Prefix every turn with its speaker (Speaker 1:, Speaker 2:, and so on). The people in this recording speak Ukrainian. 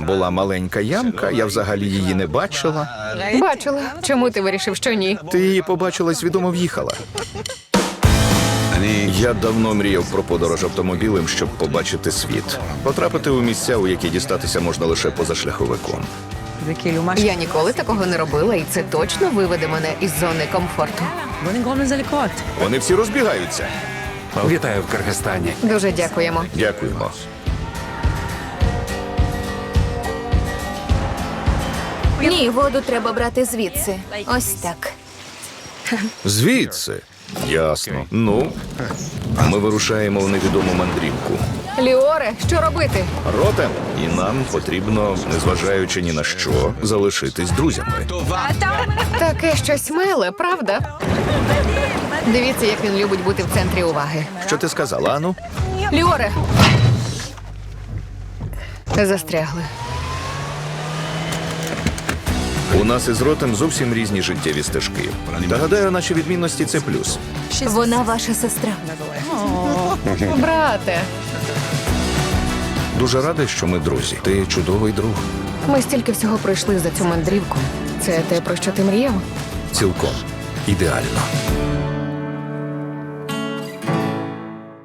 Speaker 1: була маленька ямка, я взагалі її не бачила.
Speaker 2: Бачила. Чому ти вирішив, що ні?
Speaker 1: Ти її побачила і свідомо в'їхала. Я давно мріяв про подорож автомобілем, щоб побачити світ. Потрапити у місця, у які дістатися можна лише позашляховиком.
Speaker 2: Я ніколи такого не робила, і це точно виведе мене із зони комфорту.
Speaker 1: Вони всі розбігаються.
Speaker 3: Вітаю в Киргизстані.
Speaker 2: Дуже дякуємо.
Speaker 1: Дякуємо.
Speaker 4: Ні, воду треба брати звідси. Ось так.
Speaker 1: Звідси. Ясно. Ну, ми вирушаємо в невідому мандрівку.
Speaker 2: Ліоре, що робити?
Speaker 1: Ротем, і нам потрібно, незважаючи ні на що, залишитись друзями.
Speaker 2: Таке щось миле, правда? Дивіться, як він любить бути в центрі уваги.
Speaker 1: Що ти сказала, Ану?
Speaker 2: Ліоре! Застрягли.
Speaker 1: У нас із Ротем зовсім різні життєві стежки. Та гадаю, наші відмінності – це плюс.
Speaker 4: Вона ваша сестра.
Speaker 2: Брате,
Speaker 1: Дуже радий, що ми друзі. Ти чудовий друг.
Speaker 2: ми стільки всього пройшли за цю мандрівку. Це те, про що ти мріяв?
Speaker 1: Цілком. Ідеально.